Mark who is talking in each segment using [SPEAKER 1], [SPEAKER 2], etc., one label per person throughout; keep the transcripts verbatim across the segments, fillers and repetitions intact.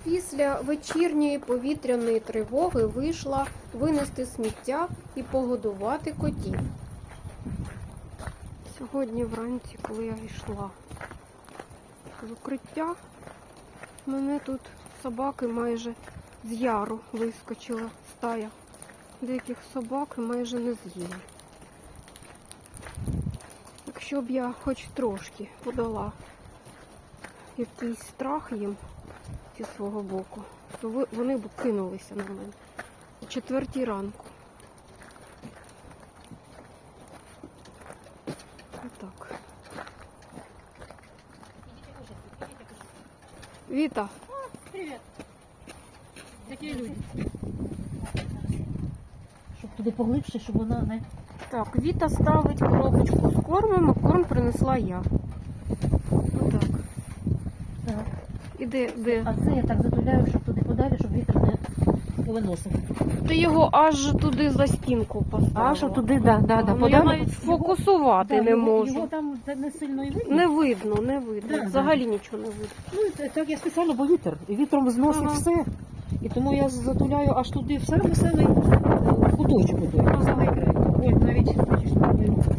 [SPEAKER 1] Після вечірньої повітряної тривоги вийшла винести сміття і погодувати котів. Сьогодні вранці, коли я йшла з укриття, мене тут собаки майже з яру вискочила стая. Деяких собак майже не з'їли. Якщо б я хоч трошки подала якийсь страх їм зі свого боку, то вони б кинулися на мене о четвертій ранку. Отак. Віта.
[SPEAKER 2] Привіт. Такі люди. Щоб туди поглибше, щоб вона не...
[SPEAKER 1] Так, Віта ставить коробочку з кормом, а корм принесла я. Отак.
[SPEAKER 2] Так.
[SPEAKER 1] І де, де?
[SPEAKER 2] А це я так затуляю, щоб туди подалі, щоб вітер не повиносив.
[SPEAKER 1] Ти його аж туди за стінку поставила.
[SPEAKER 2] А, щоб туди, да, да, да,
[SPEAKER 1] Ну,
[SPEAKER 2] подалі.
[SPEAKER 1] я навіть сфокусувати
[SPEAKER 2] Да,
[SPEAKER 1] не
[SPEAKER 2] його,
[SPEAKER 1] можу.
[SPEAKER 2] Його там не сильно і видно.
[SPEAKER 1] Не видно, не видно.
[SPEAKER 2] Да,
[SPEAKER 1] Взагалі нічого не видно.
[SPEAKER 2] Ну, це- так я спеціально, бо вітер. І вітром зносить
[SPEAKER 1] Ага.
[SPEAKER 2] все. І тому я затуляю аж туди, в самий-самий куточок. Ага. Самий край. Ой, навіть, бачиш, там не видно.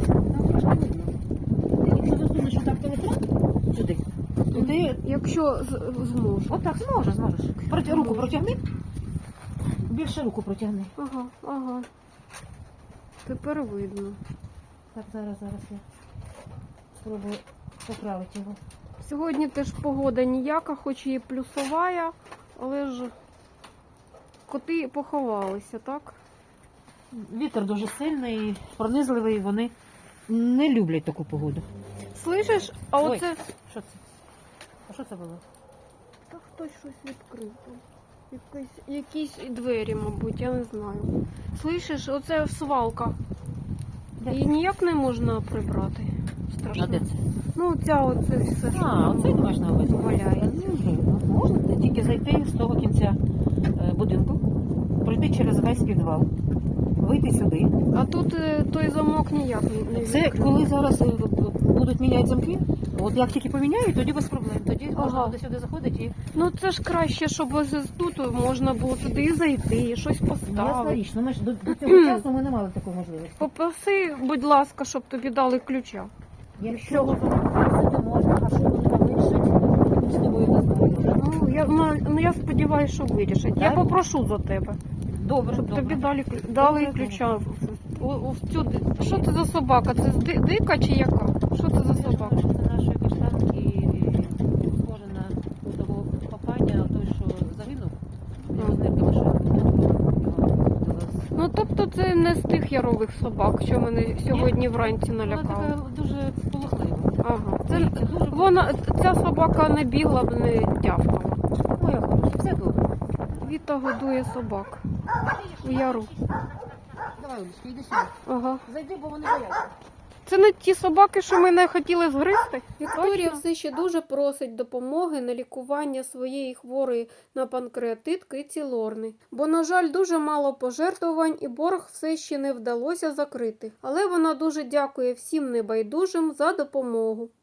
[SPEAKER 2] Якщо засунеш що так телефон сюди, то ти...
[SPEAKER 1] Якщо з- зможу.
[SPEAKER 2] Отак зможеш, зможеш. Проти, руку протягни. Більше руку протягни.
[SPEAKER 1] Ага, ага. Тепер видно.
[SPEAKER 2] Так, зараз, зараз я спробую поправити його.
[SPEAKER 1] Сьогодні теж погода ніяка, хоч і плюсова, але ж коти поховалися, так?
[SPEAKER 2] Вітер дуже сильний, пронизливий, вони не люблять таку погоду.
[SPEAKER 1] Слышиш? А
[SPEAKER 2] Ой.
[SPEAKER 1] оце...
[SPEAKER 2] Що це? А що це було?
[SPEAKER 1] Та хтось щось відкрив там. Якісь, якісь двері, мабуть, я не знаю. Слышиш, оце свалка.
[SPEAKER 2] Де?
[SPEAKER 1] Її ніяк не можна прибрати. Страшно.
[SPEAKER 2] А де це?
[SPEAKER 1] Ну, ця оце все, що
[SPEAKER 2] А, оце ти маєш на увазі?
[SPEAKER 1] валяється.
[SPEAKER 2] Ну, можна тільки зайти з того кінця е, будинку, пройти через весь підвал, вийти сюди.
[SPEAKER 1] А тут е, той замок ніяк не
[SPEAKER 2] Це
[SPEAKER 1] відкрив.
[SPEAKER 2] коли зараз е, будуть міняти замки, от як тільки поміняють, тоді без проблем. Тоді
[SPEAKER 1] Ага.
[SPEAKER 2] можна до сюди заходити і...
[SPEAKER 1] Ну це ж краще, щоб ось тут можна було туди зайти, щось
[SPEAKER 2] Ясна
[SPEAKER 1] поставити.
[SPEAKER 2] річ, ну ми ж до, до цього часу ми не мали такої можливості.
[SPEAKER 1] Попроси, будь ласка, щоб тобі дали ключа.
[SPEAKER 2] Якщо сюди можна, а що вони там вирішать, ми з тобою не знаємо.
[SPEAKER 1] Ну, я, ну, ну, я сподіваюся, що вирішать. Я
[SPEAKER 2] Так?
[SPEAKER 1] попрошу за тебе,
[SPEAKER 2] Добре,
[SPEAKER 1] щоб
[SPEAKER 2] добре.
[SPEAKER 1] тобі дали, клю- дали
[SPEAKER 2] Добре,
[SPEAKER 1] ключа. У, у, в цю, ди- що це за собака? Це ди- дика чи яка? Що це за собака?
[SPEAKER 2] Це нашої каштанки, схоже на того папаня, той, що загинув. Його з нирками що
[SPEAKER 1] Ну, тобто це не з тих ярових собак, що мене сьогодні вранці
[SPEAKER 2] Вона
[SPEAKER 1] налякали.
[SPEAKER 2] така дуже полохлива.
[SPEAKER 1] Ага. Це,
[SPEAKER 2] Це дуже
[SPEAKER 1] вона, ця собака не бігла б, не тявкала.
[SPEAKER 2] моя хороша, все добре.
[SPEAKER 1] Віта годує собак у яру.
[SPEAKER 2] Давай, Олечка, йди сюди.
[SPEAKER 1] Ага.
[SPEAKER 2] Зайди, бо вони бояться.
[SPEAKER 1] Це не ті собаки, що мене хотіли згризти? Вікторія все ще дуже просить допомоги на лікування своєї хворої на панкреатит киці Лорни. Бо, на жаль, дуже мало пожертвувань і борг все ще не вдалося закрити. Але вона дуже дякує всім небайдужим за допомогу.